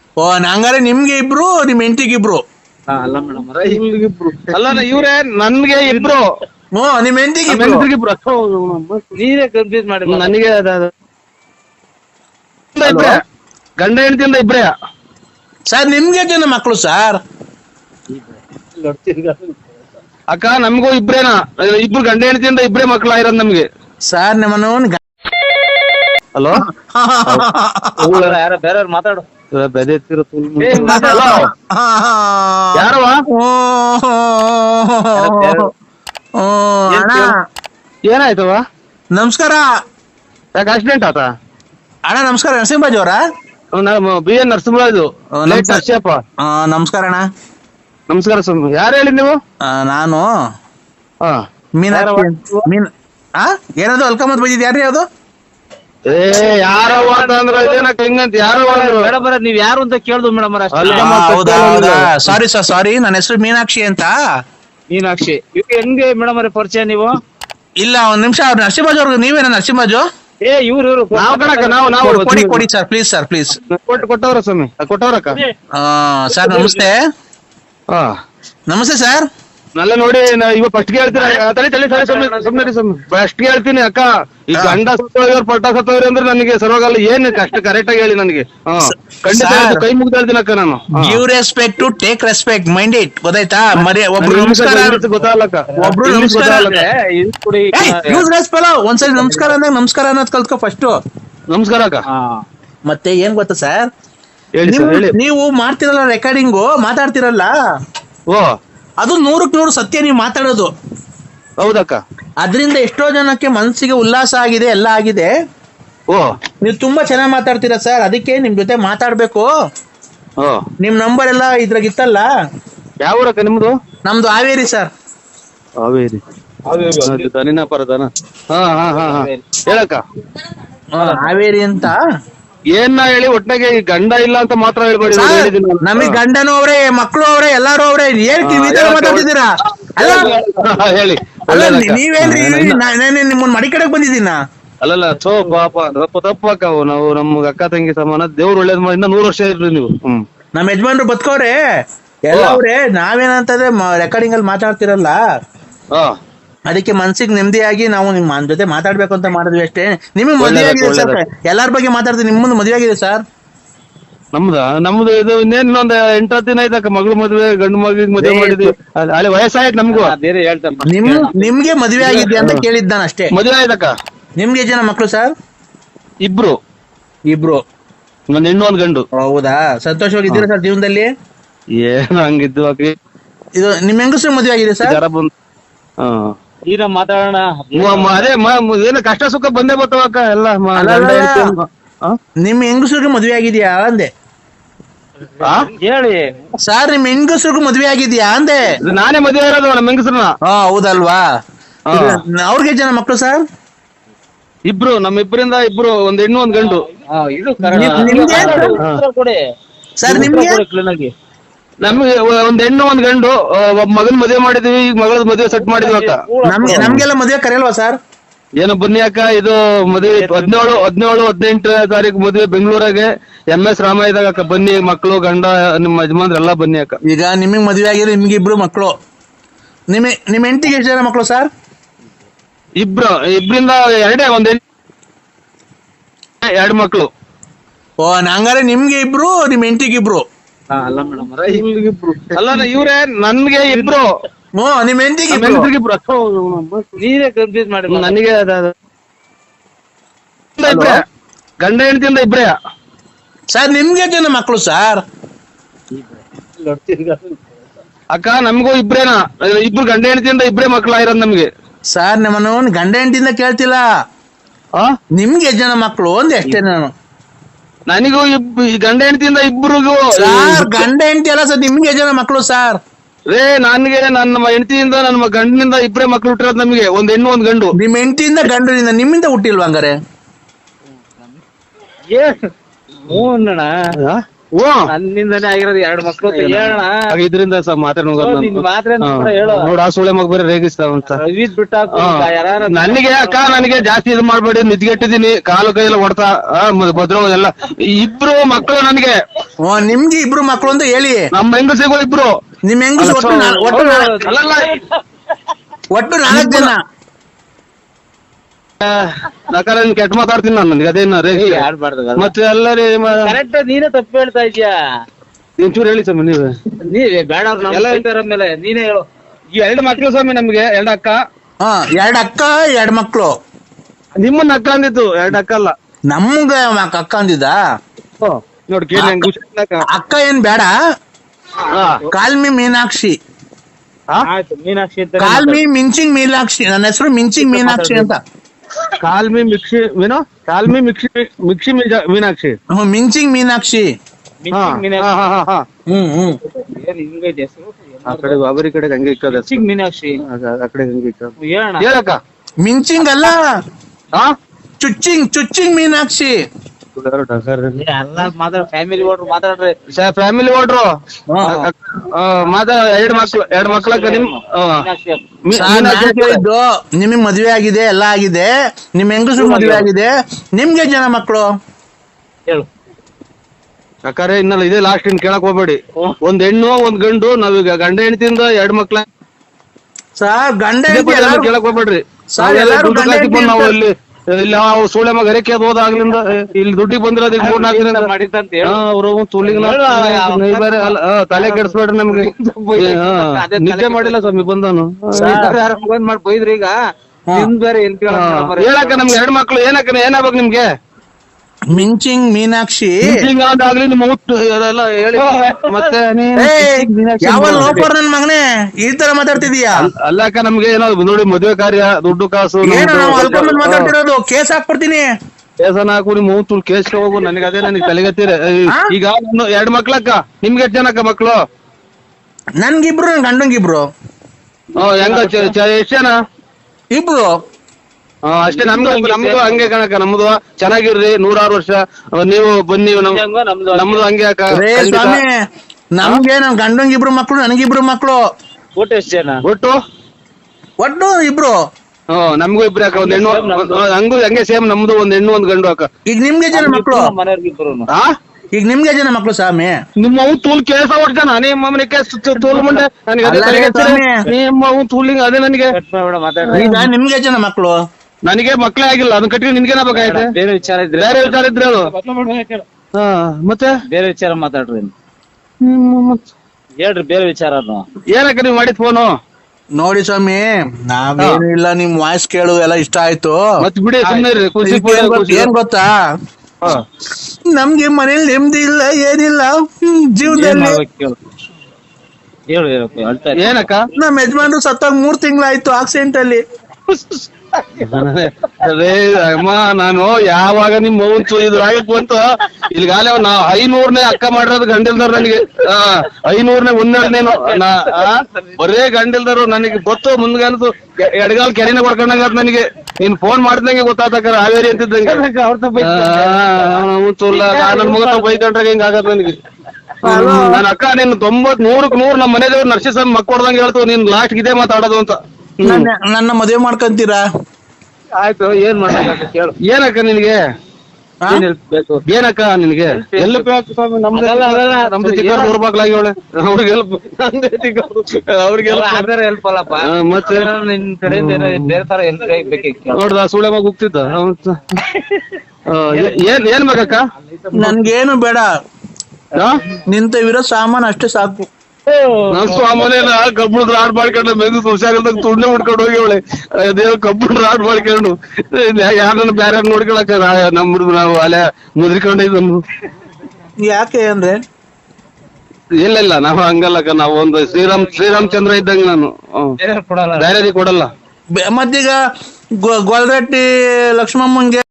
ಓ ಹಂಗಾರೆ ನಿಮ್ಗೆ ಇಬ್ರು ನಿಮ್ ಹೆಂಡತಿಗೆ ಇಬ್ರು. ಅಲ್ಲ ಮೇಡಮ್ ಇಬ್ರು ಅಲ್ಲ ಇವ್ರೆ ನನ್ಗೆ ಇಬ್ರು ಹ್ಞೂ ನಿಮ್ ಹೆಂಡತಿಗೆ ಇಬ್ರು ನೀವೇ ಕನ್ಫ್ಯೂಸ್ ಮಾಡಿ ನನಗೆ ಇಬ್ರೇ ಗಂಡ ಹೆಂಡತಿಯಿಂದ ಇಬ್ರೇ. ಸರ್ ನಿಮ್ಗೆ ಜನ ಮಕ್ಕಳು ಸರ್? ಅಕ್ಕ ನಮಗೂ ಇಬ್ರೇನಾ, ಇಬ್ರು ಗಂಡ ಹೆಂಡತಿಯಿಂದ ಇಬ್ರೇ ಮಕ್ಳು ಆಗಿರೋದು ನಮ್ಗೆ. ಸರ್ ನಿಮ್ಮನ್ನ ಹಲೋ ಯಾರ ಬೇರೆಯವ್ರು ಮಾತಾಡು. ಯಾರವ ಏನಾಯ್ತವ? ನಮಸ್ಕಾರ. ಯಾಕೆ ಆಕ್ಸಿಡೆಂಟ್ ಆತ? ಅಣ್ಣ ನಮಸ್ಕಾರ. ನರಸಿಂಹರಾಜ್ ಅವರ? B N Narasimharaju. ನರಸಿಯಪ್ಪ ನಮಸ್ಕಾರ ಅಣ್ಣ. ನಮಸ್ಕಾರ ಸ್ವಾಮಿ. ಯಾರು ಹೇಳಿ ನೀವು? ನಾನು ಏನದು ಅಲ್ಕಮತ್ ಬಂದಿದ್ ಯಾರ್ರಿ ಅದು? ಯಾರವ ಅಂತಂದ್ರ ಹಿಂಗಂತ ಯಾರು ಮೇಡಮ್ ನೀವ್ ಯಾರು ಅಂತ ಕೇಳ್ದು ಮೇಡಮ್. ಸಾರಿ ಸರ್, ಸಾರಿ. ನನ್ನ ಹೆಸರು ಮೀನಾಕ್ಷಿ ಅಂತ. ಮೀನಾಕ್ಷಿ ಹೆಂಗೆ ಮೇಡಮ್ ಅವ್ರೆ ಪರಿಚಯ ನೀವು? ಇಲ್ಲ ಒಂದ್ ನಿಮಿಷ. ಅವ್ರು ನರಸಿಂಹರಾಜ್ ಅವ್ರಿಗೆ ನೀವೇನ ನರಸಿಂಹರಾಜು? ಇವ್ರು ನಾವು ಕಣಕ್ಕ ನಾವು ಕೊಡಿ ಸರ್, ಪ್ಲೀಸ್ ಸರ್, ಪ್ಲೀಸ್. ಕೊಟ್ಟವ್ರ ಸ್ವಾಮಿ, ಕೊಟ್ಟವ್ರಕ್ಕ. ಸರ್ ನಮಸ್ತೆ. ನಮಸ್ತೆ ಸರ್. ನಲ್ಲ ನೋಡಿ ಇವಾಗ ಫಸ್ಟ್ ಹೇಳ್ತೀನಿ ಫಸ್ಟ್ ಹೇಳ್ತೀನಿ ಅಕ್ಕ. ಈ ಗಂಡ ಸತ್ತೋಯ್ರು ಪಟ್ಟ ಸತ್ತೋಯ್ರು ಅಂದ್ರೆ ನನಗೆ ಸರ್ವಾಗಲ್ಲ. ಏನ್ ಕಷ್ಟ ಕರೆಕ್ಟ್ ಆಗಿ ಹೇಳಿ ನನಗೆ. ಖಂಡಿತ ಕೈ ಮುಗ್ದು ಹೇಳ್ತೀನಿ ಅಕ್ಕ ನಾನು. Give respect to take respect, mind it. ಗೊತ್ತಾಯ್ತಾ? ಒಬ್ರು ನಮಸ್ಕಾರ, ಗೊತ್ತಾಗಲ್ಲಕ್ಕ. ಒಬ್ರು ನಮಸ್ಕಾರ. ಒಂದ್ಸರಿ ನಮಸ್ಕಾರ ಅಂದಾಗ ನಮಸ್ಕಾರ ಅನ್ನೋದ್ ಕಲ್ತ್ಕೊ ಫಸ್ಟ್. ನಮಸ್ಕಾರ ಅಕ್ಕ. ಮತ್ತೆ ಏನ್ ಗೊತ್ತಾ ಸರ್, ಹೇಳಿ. ನೀವು ಮಾಡ್ತಿರಲ್ಲ ರೆಕಾರ್ಡಿಂಗು, ಮಾತಾಡ್ತಿರಲ್ಲ, ಓ ಅದು 100ಕ್ಕೆ 100 ಸತ್ಯ ನೀವು ಮಾತಾಡೋದು. ಹೌದಕ್ಕ. ಅದರಿಂದ ಎಷ್ಟೋ ಜನಕ್ಕೆ ಮನಸ್ಸಿಗೆ ಉಲ್ಲಾಸ ಆಗಿದೆ, ಎಲ್ಲ ಆಗಿದೆ. ಓ ನೀವು ತುಂಬಾ ಚೆನ್ನಾಗಿ ಮಾತಾಡ್ತೀರಾ ಸರ್, ಅದಕ್ಕೆ ನಿಮ್ ಜೊತೆ ಮಾತಾಡ್ಬೇಕು. ನಿಮ್ ನಂಬರ್ ಎಲ್ಲ ಇದ್ರಾಗ ಇತ್ತಲ್ಲ. ಯಾವ ಊರಕ್ಕ ನಿಮ್ದು? ನಮ್ದು ಹಾವೇರಿ ಸರ್. ಹಾವೇರಿ ದನಿನ ಪರದನ. ಹೇಳಕ್ಕ. ಹಾವೇರಿ ಅಂತ. ಏನ ಹೇಳಿ ಒಟ್ನಾಗೆ ಗಂಡ ಇಲ್ಲ ಅಂತ ಮಾತ್ರ ಹೇಳ್ಬೇಡಿ. ನಮಗ್ ಗಂಡನೂ ಅವ್ರೆ, ಮಕ್ಳು ಅವ್ರೆ, ಎಲ್ಲಾರು ಅವ್ರೆ. ಹೇಳ್ತೀವಿ ಮಾತಾಡ್ತಿದ್ದೀರಾ? ಹೇಳಿ. ನೀವೇನ್ರಿ ನಿಮ್ಮನ್ನ ಮಡಿ ಕಡೆಗೆ ಬಂದಿದ್ದೀನ? ಅಲ್ಲಲ್ಲ ಸೋ ಪಾಪ ತಪ್ಪಕ್ಕ. ನಾವು ನಮ್ಗ ಅಕ್ಕ ತಂಗಿ ಸಮಾನ. ದೇವ್ರು ಒಳ್ಳೇದ್ ಮಾಡಿ 100 ವರ್ಷ ಇರ್ರಿ ನೀವು. ನಮ್ ಯಜಮಾನ್ರು ಬದುಕವ್ರೆ ಎಲ್ಲ ಅವ್ರೆ. ನಾವೇನಂತಂದ್ರೆ ರೆಕಾರ್ಡಿಂಗ್ ಅಲ್ಲಿ ಮಾತಾಡ್ತಿರಲ್ಲ, ಅದಕ್ಕೆ ಮನ್ಸಿಗೆ ನೆಮ್ಮದಿಯಾಗಿ ನಾವು ನಿಮ್ಮ ಜೊತೆ ಮಾತಾಡ್ಬೇಕು ಅಂತ ಮಾಡಿದ್ವಿ ಅಷ್ಟೇ. ನಿಮಗೆ ಮದುವೆ ಆಗಿದೆ ಸರ್? ಎಲ್ಲಾರ ಬಗ್ಗೆ ಮಾತಾಡ್ತೀನಿ. ನಿಮ್ಮದು ಮದುವೆ ಆಗಿದೆ ಸರ್? ನಮ್ದು ಇದು ಇನ್ನೇನೊಂದ್ 8 ದಿನ ಆಯ್ತಕ್ಕ. ಮಗಳು ಮದ್ವೆ, ಗಂಡು ಮಗಳಿಗೆ ಮದುವೆ ಮಾಡಿದ್ವಿ. ಅಲ್ಲಿ ವಯಸ್ಸಾಯ್ತು ನಮ್ಗೂ. ಬೇರೆ ಹೇಳ್ತಾರೆ. ನಿಮ್ಗೆ ಮದುವೆ ಆಗಿದೆ ಅಂತ ಕೇಳಿದ್ದ ನಾನು ಅಷ್ಟೇ. ಮದುವೆ ಆಯ್ತಕ್ಕ. ನಿಮ್ಗೆ ಜನ ಮಕ್ಳು ಸರ್? ಇಬ್ರು. ಒಂದ್ ಹೆಣ್ಣು ಒಂದ್ ಗಂಡು. ಹೌದಾ? ಸಂತೋಷವಾಗಿದ್ದೀರಾ ಸರ್ ಜೀವನದಲ್ಲಿ? ಏನ್ ಹಂಗಿದ್ದು ಅಕ್ಕ. ಇದು ನಿಮ್ ಹೆಂಗಸ್ರು ಮದುವೆ ಆಗಿದೆ ಸರ್? ಈಗ ಮಾತಾಡೋಣ. ಅದೇ ಏನು ಕಷ್ಟ ಸುಖ ಬಂದೇ ಬರ್ತಾವಕ್ಕ ಎಲ್ಲ. ನಿಮ್ ಹೆಂಗಸ್ರಿಗೆ ಮದ್ವೆ ಆಗಿದ್ಯಾ ಅಂದೆ. ಹೇಳಿ ಸರ್, ನಿಮ್ ಹೆಂಗಸ್ರಿಗೂ ಮದ್ವೆ ಆಗಿದ್ಯಾ ಅಂದೆ. ನಾನೇ ಮದುವೆ ಇರೋದು ನಮ್ಮ ಹೆಂಗಸ್ರನ್ನ. ಹೌದಲ್ವಾ? ಅವ್ರಿಗೆ ಜನ ಮಕ್ಳು ಸರ್? ಇಬ್ರು. ನಮ್ಮಿಬ್ಬರಿಂದ ಇಬ್ರು, ಒಂದ್ ಹೆಣ್ಣು ಒಂದ್ ಗಂಡು. ಸರ್ ನಿಮ್ಗೆ? ನಮ್ಗೆ ಒಂದ್ ಹೆಣ್ಣು ಒಂದ್ ಗಂಡು. ಮಗನ್ ಮದುವೆ ಮಾಡಿದ್ವಿ. ಈಗ ಮಗಳ ಮದುವೆ ಸೆಟ್ ಮಾಡಿದ್ವಿ ಅಕ್ಕ. ನಮ್ಗೆಲ್ಲ ಮದುವೆ ಕರೆಯಲ್ವಾ ಸರ್? ಏನೋ ಬನ್ನಿ ಅಕ್ಕ. ಇದು ಮದುವೆ 17, 18 ತಾರೀಕು ಮದುವೆ ಬೆಂಗಳೂರಾಗೆ MS ರಾಮಾಯದಾಗ ಅಕ್ಕ. ಬನ್ನಿ ಮಕ್ಕಳು, ಗಂಡ, ನಿಮ್ಮ ಯಜಮಾನ್ರೆಲ್ಲ ಬನ್ನಿ ಅಕ್ಕ. ಈಗ ನಿಮಗ್ ಮದುವೆ ಆಗಿರೋ ನಿಮ್ಗೆ ಇಬ್ರು ಮಕ್ಕಳು. ನಿಮ್ ಹೆಂಡತಿಗೆ ಎಷ್ಟು ಜನ ಮಕ್ಕಳು ಸರ್? ಇಬ್ರಿಂದ ಎರಡೇ. ಎರಡು ಮಕ್ಕಳು. ಹಂಗಾರೆ ನಿಮ್ಗೆ ಇಬ್ರು, ನಿಮ್ ಹೆಂಡತಿಗೆ ಇಬ್ರು? ಅಲ್ಲ ಮೇಡಮ್ ಅಲ್ಲ ಇವ್ರೆ ನನ್ಗೆ ಇಬ್ರು. ನಿಮ್ ಹೆಂಡತಿಗೆ ಇಬ್ರು. ನೀವೇ ಕನ್ಫ್ಯೂಸ್ ಮಾಡಿ ನನಗೆ ಗಂಡ ಹೆಂಡತಿಯಿಂದ ಇಬ್ರೇ. ಸರ್ ನಿಮ್ಗೆ ಜನ ಮಕ್ಕಳು ಸರ್? ಅಕ್ಕ ನಮಗೂ ಇಬ್ರೇನಾ, ಇಬ್ರು ಗಂಡ ಹೆಂಡತಿಯಿಂದ ಇಬ್ರೇ ಮಕ್ಳು ಆಗಿರೋದು ನಮ್ಗೆ. ಸರ್ ನಮ್ಮನ್ನು ಗಂಡ ಹೆಂಡತಿಯಿಂದ ಕೇಳ್ತಿಲ್ಲ, ನಿಮ್ಗೆ ಜನ ಮಕ್ಕಳು ಒಂದ್ ಎಷ್ಟೇ. ನಾನು ನನಗೂ ಗಂಡ ಹೆಂಡತಿಯಿಂದ ಇಬ್ರಿಗೂ. ಸರ್ ಗಂಡ ಹೆಂಡತಿ ಅಲ್ಲ ಸರ್, ನಿಮ್ಗೆ ಜನ ಮಕ್ಕಳು ಸರ್? ನನ್ಗೆ ನನ್ನ ಹೆಂಡತಿಯಿಂದ ನನ್ನ ಗಂಡನಿಂದ ಇಬ್ರೇ ಮಕ್ಳು ಹುಟ್ಟಿರೋದು ನಮ್ಗೆ. ಒಂದ್ ಹೆಣ್ಣು ಒಂದ್ ಗಂಡು. ನಿಮ್ ಹೆಂಡತಿಯಿಂದ ಗಂಡನಿಂದ ನಿಮ್ಮಿಂದ ಹುಟ್ಟಿಲ್ವಾ ಹಂಗಾರೆ? ಓ ನನ್ನಿಂದನೇ ಆಗಿರೋದು 2 ಮಕ್ಳು ಅಂತ ಹೇಳೋಣ. ಇದರಿಂದ ನಿನ್ ಮಾತ್ರ ಹೇಳು. ನೋಡ ಆ ಸುಳೆ ಮಗ ಬೇರೆ ರೇಗಿಸ್ತಾವಂತ ರವೀದ್ ಬಿಟ್ಟ ನನಗೆ ಅಕ್ಕ ನನಗೆ ಜಾಸ್ತಿ ಇದು ಮಾಡ್ಬೇಡಿ, ನಿದ್ಗೆಟ್ಟಿದೀನಿ, ಕಾಲು ಕೈಯೆಲ್ಲ ಹೊಡ್ತಾ ಭದ್ರ ಎಲ್ಲ. ಇಬ್ರು ಮಕ್ಕಳು ನನಗೆ. ನಿಮ್ಗೆ ಇಬ್ರು ಮಕ್ಳು ಅಂತ ಹೇಳಿ. ನಮ್ಮ ಹೆಂಗಸಿಗಳು ಇಬ್ರು. ನಿಮ್ ಹೆಂಗಸು ಒಟ್ಟು ಅಲ್ಲಲ್ಲ ಒಟ್ಟು 4 ಜನ. ನಕಾರ ಕೆಟ್ಟ ಮಾತಾಡ್ತೀನಿ ನಾನು, ನನಗೆ ಅದೇನ ರೇಗಿ ಮತ್ತೆ ಎಲ್ಲರಿ ಕರೆಕ್ಟ್. ನೀನೇ ತಪ್ಪು ಹೇಳ್ತಾ ಇದೀಯಾ. ಒಂಚೂರು ಹೇಳಿ ಸ್ವಾಮಿ ನೀವೇ ಬೇಡ ಎಲ್ಲ ಮೇಲೆ ನೀನೇ ಹೇಳು. 2 ಮಕ್ಳು ಸ್ವಾಮಿ ನಮ್ಗೆ, 2 ಅಕ್ಕ. 2 ಅಕ್ಕ 2 ಮಕ್ಳು. ನಿಮ್ಮನ್ನ ಅಕ್ಕ ಅಂದಿತ್ತು, 2 ಅಕ್ಕ ಅಲ್ಲ. ನಮ್ಗ ಅಕ್ಕ ಅಂದಿದ್ದ. ನೋಡಿ ಕೇಳಿ ಅಕ್ಕ ಏನ್ ಬೇಡ. ಕಾಲ್ಮಿ ಮೀನಾಕ್ಷಿ. ಆಯ್ತು ಮೀನಾಕ್ಷಿ ಅಂತ. ಕಾಲ್ಮಿ ಮಿಂಚಿಂಗ್ ಮೀನಾಕ್ಷಿ. ನನ್ನ ಹೆಸರು ಮಿಂಚಿಂಗ್ ಮೀನಾಕ್ಷಿ ಅಂತ. ಕಾಲ್ಮಿ ಮಿಕ್ಸಿ ಏನೋ ಕಾಲ್ಮಿ ಮಿಕ್ಸಿ ಮೀನಾಕ್ಷಿ. ಮಿಂಚಿಂಗ್ ಮೀನಾಕ್ಷಿ. ಹಿಂಗೈತೆ ಹೆಸರು. ಆ ಕಡೆ ಬಾಬರಿ ಕಡೆ ಹಂಗೆ ಇಕ್ಕದ ಮೀನಾಕ್ಷಿ. ಆ ಕಡೆ ಹಂಗೆ ಇಕ್ಕದ. ಹೇಳಕ್ಕ. ಮಿಂಚಿಂಗ್ ಅಲ್ಲ, ಚುಚ್ಚಿಂಗ್ ಮೀನಾಕ್ಷಿ. ಎಲ್ಲ ಮಾತಾಡ ಫ್ಯಾಮಿಲಿ ಓಡ್ರು ಮಾತಾಡ್ರಿ. ಫ್ಯಾಮಿಲಿ ಓಡ್ರು ಎರಡು ಮಕ್ಳಕ್ಕ ನಿಮಗ್ ಮದ್ವೆ ಆಗಿದೆ, ಎಲ್ಲ ಆಗಿದೆ. ನಿಮ್ ಹೆಂಗಸು ಮದ್ವೆ ಆಗಿದೆ. ನಿಮ್ಗೆ ಜನ ಮಕ್ಳು ಹೇಳು. ಅಕ್ಕಾರೆ ಇನ್ನಲ್ಲ ಇದೇ ಲಾಸ್ಟ್ ಇನ್ ಕೇಳಕ್ ಹೋಗ್ಬೇಡಿ. 1 ಹೆಣ್ಣು 1 ಗಂಡು. ನಾವೀಗ ಗಂಡ ಹೆಂಡತಿಯಿಂದ 2 ಮಕ್ಳ. ಸರ್ ಗಂಡ ಕೇಳಕ್ ಹೋಗ್ಬೇಡ್ರಿ. ನಾವು ಇಲ್ಲಿ ಸೂಳೆ ಮಗ ಅರೆಕೆ ಹೋದಾಗ್ಲಿಂದ ಇಲ್ಲಿ ದುಡ್ಡಿಗೆ ಬಂದಿರೋದು 3-4 ದಿನ ಮಾಡಿದಂತ ಅವ್ರು ತಲೆ ಕೆಡಿಸ್ಬೇಡ್ರಿ ನಮ್ಗೆ. ನಿದ್ದೆ ಮಾಡಿಲ್ಲ ಸ್ವಾಮಿ ಬಂದನು ಮಾಡಿ ಬೈದ್ರಿ. ಈಗ ಬೇರೆ ಹೇಳಕ್ಕ ನಮ್ಗೆ 2 ಮಕ್ಳು. ಏನಕ್ಕ ಏನಾಗ್ಬೇಕು ನಿಮ್ಗೆ? ಮಿಂಚಿಂಗ್ ಮೀನಾಕ್ಷಿ ಆಗ್ಲಿ ನಿಮ್ಮ ಎಲ್ಲ ಹೇಳಿ. ಮತ್ತೆ ಯಾವ ಲೋಪರ್ ನನ್ ಮಗನೇ ಈ ತರ ಮಾತಾಡ್ತಿದೀಯಾ? ಅಲ್ಲಕ್ಕ ನಮ್ಗೆ ಏನೋ ನೋಡಿ ಮದುವೆ ಕಾರ್ಯ, ದುಡ್ಡು ಕಾಸು ಮಾತಾಡ್ತಿರೋದು. ಕೇಸ್ ಹಾಕ್ಬಿಡ್ತೀನಿ. ಕೇಸನ ಹಾಕು, ನಿಮ್ಮ ಮೂತು ಕೇಸ್ಗೆ ಹೋಗು. ನನಗೆ ಅದೇ ನನಗೆ ತಲೆಗತ್ತೀರ. ಈಗ 2 ಮಕ್ಳಕ್ಕ. ನಿಮ್ಗೆ ಎಷ್ಟು ಜನಕ್ಕ ಮಕ್ಳು? ನನ್ಗಿಬ್ರು, ನನ್ ಗಂಡಂಗಿಬ್ರು. ಹೆಂಗ ಎಷ್ಟ್ ಜನ? ಇಬ್ರು ಅಷ್ಟೇ. ನಮ್ದು ಹಂಗೆ ಕಣಕ್ಕ. ನಮ್ದು ಚೆನ್ನಾಗಿರ್ರಿ, 106 ವರ್ಷ. ನೀವು ಬನ್ನಿ. ನಮ್ದು ಹಂಗೆ ಅಕ್ಕ. ನಮ್ಗೆ ನನ್ ಗಂಡಂಗಿಬ್ರು ಮಕ್ಳು, ನನಗಿಬ್ರು ಮಕ್ಳು. ಒಟ್ಟು ಎಷ್ಟು ಜನ? ಒಟ್ಟು ಇಬ್ರು. ನಮ್ಗೂ ಇಬ್ರು ಅಕ್ಕ. 1 ಹೆಣ್ಣು ಹಂಗೂ ಹಂಗೆ ಸೇಮ್. ನಮ್ದು 1 ಹೆಣ್ಣು 1 ಗಂಡು ಅಕ್ಕ. ಈಗ ನಿಮ್ಗೆ ಜನ ಮಕ್ಳು? ಮನೆಯವ್ರಿಗಿಬ್ರು. ಈಗ ನಿಮ್ಗೆ ಜನ ಮಕ್ಳು ಸ್ವಾಮಿ? ನಿಮ್ಮ ತೂಲ್ ಕೇಸ ಹೊಡ್ತಾನ ನಿಮ್ಮ ತೂಲ್ ಮುಂಡೆ ನಿಮ್ಮ ತೂಲಿಂಗ್ ಅದೇ ನನಗೆ. ಈಗ ನಿಮ್ಗೆ ಜನ ಮಕ್ಳು? ನನಗೆ ಮಕ್ಳೇ ಆಗಿಲ್ಲ. ಅದನ್ನ ಕಟ್ಟಿ ನಿನ್ಗೇನ ಬೇಕಾಯ್ತು? ಬೇರೆ ವಿಚಾರ ಇದ್ರೆ ಅದು. ಮತ್ತೆ ಬೇರೆ ವಿಚಾರ ಮಾತಾಡ್ರಿ. ಹೇಳ್ರಿ ಬೇರೆ ವಿಚಾರ. ಏನಕ್ಕ ನೀವ್ ಮಾಡಿದ್ ಫೋನು? ನೋಡಿ ಸ್ವಾಮಿ, ನಾವೇನು ಇಲ್ಲ, ನಿಮ್ ವಾಯ್ಸ್ ಕೇಳು ಎಲ್ಲ ಇಷ್ಟ ಆಯ್ತು. ಮತ್ ಬಿಡಿ ಸುಮ್ಮನೆ. ಏನ್ ಗೊತ್ತಾ, ನಮ್ಗೆ ಮನೇಲಿ ನೆಮ್ಮದಿ ಇಲ್ಲ, ಏನಿಲ್ಲ ಜೀವನದಲ್ಲಿ. ಏನಕ್ಕ? ನಮ್ ಯಜಮಾನ್ರು ಸತ್ತಾಗ 3 ತಿಂಗಳಾಯ್ತು ಆಕ್ಸಿಡೆಂಟ್ ಅಲ್ಲಿ. ಅದೇ ಅಮ್ಮ, ನಾನು ಯಾವಾಗ ನಿಮ್ ಮೌಂತು ಇದು ಆಗಕ್ ಬಂತು ಇಲ್ಲಿಗಾಲ ನಾ 500ನೇ ಅಕ್ಕ ಮಾಡಿರೋದು ಗಂಡಿಲ್ದವ್ರು ನನಗೆ. 500ನೇ 1ನೇನು ಬರೇ ಗಂಡಿಲ್ದರು ನನಗೆ ಗೊತ್ತು. ಮುಂದ್ಗಾಲದು ಎಡಗಾಲ್ ಕೆರೆನ ಕೊಡ್ಕೊಂಡಂಗ ನನಗೆ. ನೀನ್ ಫೋನ್ ಮಾಡ್ದಂಗೆ ಗೊತ್ತಾತಕ್ಕ ಹಾವೇರಿ ಅಂತಿದ್ದಂಗೆ. ನನ್ ಮಗ ಬೈಕೊಂಡ್ರಾಗ ಹಿಂಗ ಆಗತ್ ನನಗೆ. ನನ್ ಅಕ್ಕ ನೀನ್ 90-100ಕ್ಕೆ 100 ನಮ್ಮ ಮನೆದೇವ್ರು ನರ್ಸಿಸಮ್ ಮಕ್ಕ ಹೊಡ್ದಂಗೆ ಹೇಳ್ತು. ನೀನ್ ಲಾಸ್ಟ್ ಇದೇ ಮಾತಾಡೋದು ಅಂತ. ನನ್ನ ಮದುವೆ ಮಾಡ್ಕೊಂತೀರಾ? ಆಯ್ತು. ಏನ್ ಮಾಡ್ಬೇಕು ಕೇಳು. ಏನಕ್ಕ ನಿನ್ಗೆ? ಏನಕ್ಕ ನಿನ್ಗೆ ಹೆಲ್ಪ್? ನಮ್ದು ಚಿಕ್ಕ ಊರ್ಬಾಗ್ಲಾಗಿ ಅವಳೆ. ಅವ್ರಿಗೆ ಹೆಲ್ಪ್, ಅವ್ರಿಗೆ ಹೆಲ್ಪ್ ಅಲ್ಲಪ್ಪ. ಮತ್ತೆ ನಿನ್ ಕಡೆಯಿಂದ ಬೇರೆ ತರ ಹೆಲ್ಪ್ ಬೇಕಿತ್ತು. ನೋಡ್ದ ಸುಳೆ ಮಗ ಹೋಗ್ತಿದ್ದ. ಏನ್ ಬೇಕಕ್ಕ? ನನ್ಗೇನು ಬೇಡ, ನಿಂತವಿರೋ ಸಾಮಾನು ಅಷ್ಟೇ ಸಾಕು. ನನ್ ಸ್ವಾಮನೇನ ಕಬ್ಬುಣದ ರಾಡ್ ಮಾಡ್ಕೊಂಡು ಮೆದು ಹುಷಾರಿಲ್ದಾಗ ತುಂಡೆ ಉಡ್ಕೊಂಡು ಹೋಗಿ ಅವಳೆ. ಅದೇನೋ ಕಬ್ಬುಣ ರಾಡ್ ಮಾಡ್ಕೊಂಡು ಯಾರನ್ನ ಬೇರೆ ನೋಡ್ಕೊಳಕ ನಮ್ದು ನಾವು ಅಲೆ ಮುದ್ರಿಕೊಂಡಿದ್ದು. ಯಾಕೆ ಅಂದ್ರೆ ಇಲ್ಲ ನಾವು ಹಂಗಲ್ಲಕ್ಕ. ನಾವು ಒಂದು ಶ್ರೀರಾಮಚಂದ್ರ ಇದ್ದಂಗೆ ನಾನು. ಬೇರೆ ಕೊಡಲ್ಲ. ಮತ್ತೀಗ ಗೊಲ್ರಟ್ಟಿ ಲಕ್ಷ್ಮಮ್ಮಂಗೆ